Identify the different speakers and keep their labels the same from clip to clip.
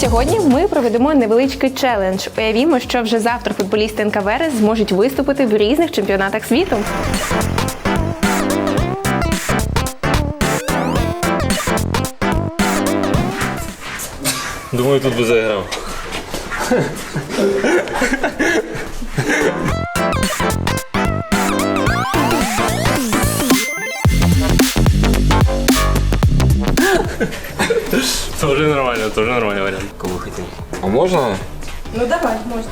Speaker 1: Сьогодні ми проведемо невеличкий челендж. Уявімо, що вже завтра футболісти НК Верес зможуть виступити в різних чемпіонатах світу.
Speaker 2: Думаю, тут би заіграв. Тоже нормальный вариант. Кого хотел?
Speaker 3: А можна?
Speaker 1: Ну давай, можна.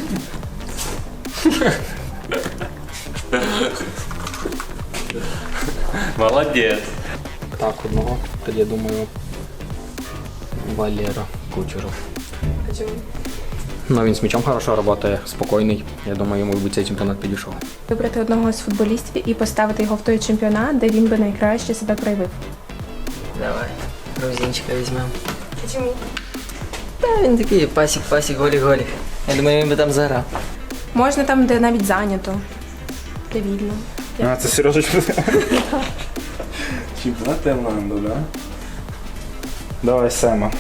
Speaker 2: Молодец.
Speaker 3: Так, одного. Тоді, я думаю, Валера Кучеров.
Speaker 1: А чому?
Speaker 3: Ну, він з м'ячом хорошо працює, спокійний. Я думаю, йому би цей чемпіонат підійшов.
Speaker 1: Вибрати одного з футболістів і поставити його в той чемпіонат, де він би найкраще себе проявив.
Speaker 4: Давай, грузинчика візьмемо.
Speaker 1: А чому?
Speaker 4: Та він такий пасік, голі. Я думаю, він би там заграв.
Speaker 1: Можна там, де навіть зайнято, де вільно.
Speaker 5: А, це Сережечка. Чемпіонат Таїланду, да? Давай Сема.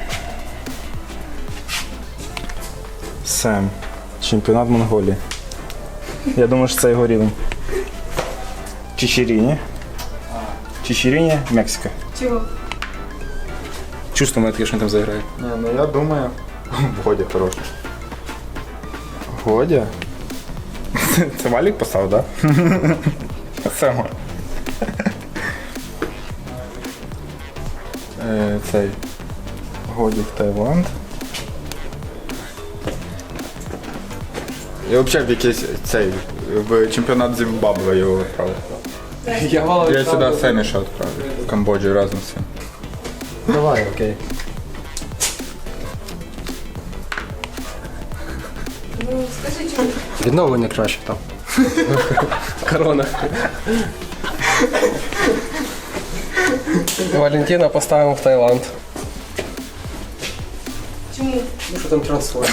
Speaker 5: Сем. Чемпіонат Монголії. Я думаю, що це його рівень. Чичеріні. Чичеріні, Мексика.
Speaker 1: Чого?
Speaker 3: Чувство мене таке, що він там заграє.
Speaker 5: Не, ну я думаю... Годя хороший. Годя? Це Валік поставив, да? Сема. Цей. Годік Таїланд. Я взагалі в якийсь цей, в чемпіонат Зімбабве його відправив. Я сюди Семіша відправив. В Камбоджу разом з цим.
Speaker 3: Давай, окей.
Speaker 1: Ну, скажи, чому?
Speaker 3: Відновлення краще там. Корона.
Speaker 6: Валентина поставимо в Таїланд.
Speaker 1: Чому?
Speaker 6: Ну що там трансфер?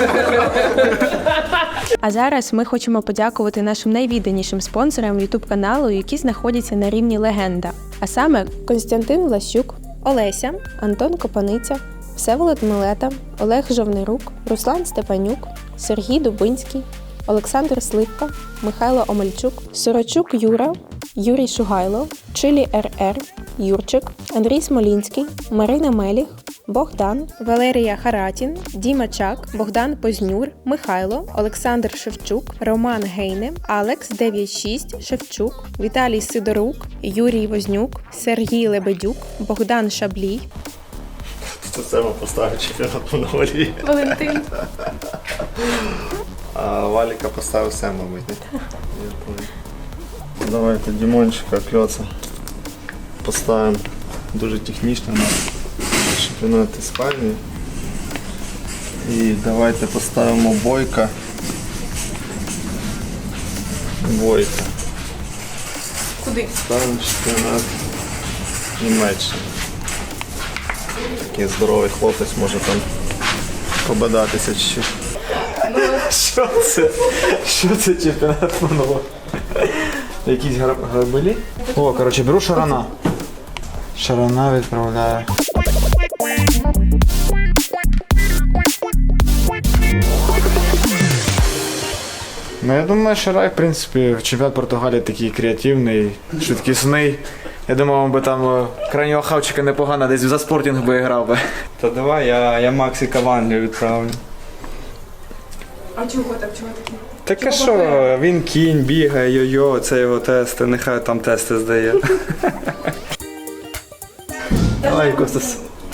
Speaker 1: А зараз ми хочемо подякувати нашим найвідданішим спонсорам YouTube каналу, які знаходяться на рівні легенда. А саме Костянтин Влащук, Олеся, Антон Копаниця, Всеволод Милета, Олег Жовнирук, Руслан Степанюк, Сергій Дубинський, Олександр Сливка, Михайло Омельчук, Сорочук Юра, Юрій Шугайло, Чилі РР, Юрчик, Андрій Смолінський, Марина Меліх, Богдан, Валерія Харатін, Діма Чак, Богдан Познюр, Михайло, Олександр Шевчук, Роман Гейне, Алекс 96, Шевчук, Віталій Сидорук, Юрій Вознюк, Сергій Лебедюк, Богдан Шаблій,
Speaker 2: Це Сема поставив чемпіонат Монголії.
Speaker 1: Валентин.
Speaker 2: А Валіка поставив Сема, мабуть. Давайте Дімончика, Кльоца поставимо. Дуже технічно на чемпіонат Іспанії. І давайте поставимо Бойка.
Speaker 1: Куди?
Speaker 2: Ставимо чемпіонат Німеччини. Такий здоровий хлопець може там побадатися чуть-чуть. Що це? Що це чемпіонат Монголії? Якісь грабелі?
Speaker 5: О, коротше, беру Шарана. Шарана відправляю. Ну, я думаю, Шарай, в принципі, чемпіонат Португалії такий креативний, швидкісний. Я думав, би там крайнього хавчика непогано, десь за Спортінг би грав би.
Speaker 7: Та давай, я Максика в Англію відправлю.
Speaker 1: А чого так? Чого такі?
Speaker 7: Так а що, він кінь, бігає, йо-йо, це його тести, нехай там тести здає.
Speaker 8: Давай, Костас.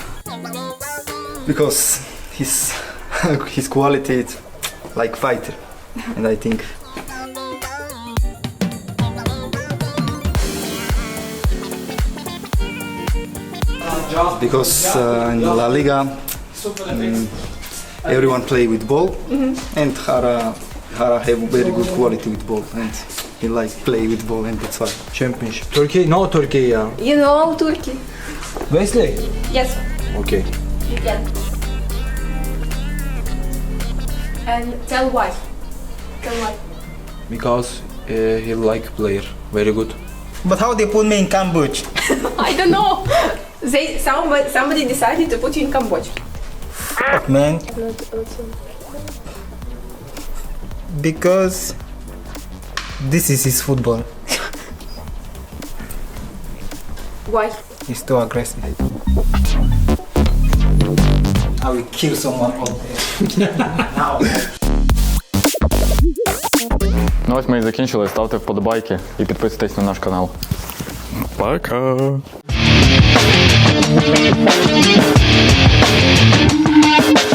Speaker 8: Because his quality is like fighter, and I think because in La Liga everyone play with ball, and Hara have very good quality with ball, and he like play with ball, and that's why.
Speaker 6: Championship. Turkey? No, Turkey, yeah.
Speaker 1: You know Turkey?
Speaker 6: Wesley?
Speaker 1: Yes,
Speaker 6: Okay.
Speaker 1: you can. And tell why. Tell why.
Speaker 6: Because he like player. Very good.
Speaker 8: But how they put me in Cambridge?
Speaker 1: I don't know. Somebody decided to put you in Cambodia.
Speaker 8: Man. Because this is his football.
Speaker 1: Why?
Speaker 8: He's too aggressive. I will kill someone out there. Now.
Speaker 9: Ну ось ми і закінчили. Ставте вподобайки і підписуйтесь на наш канал. Пока!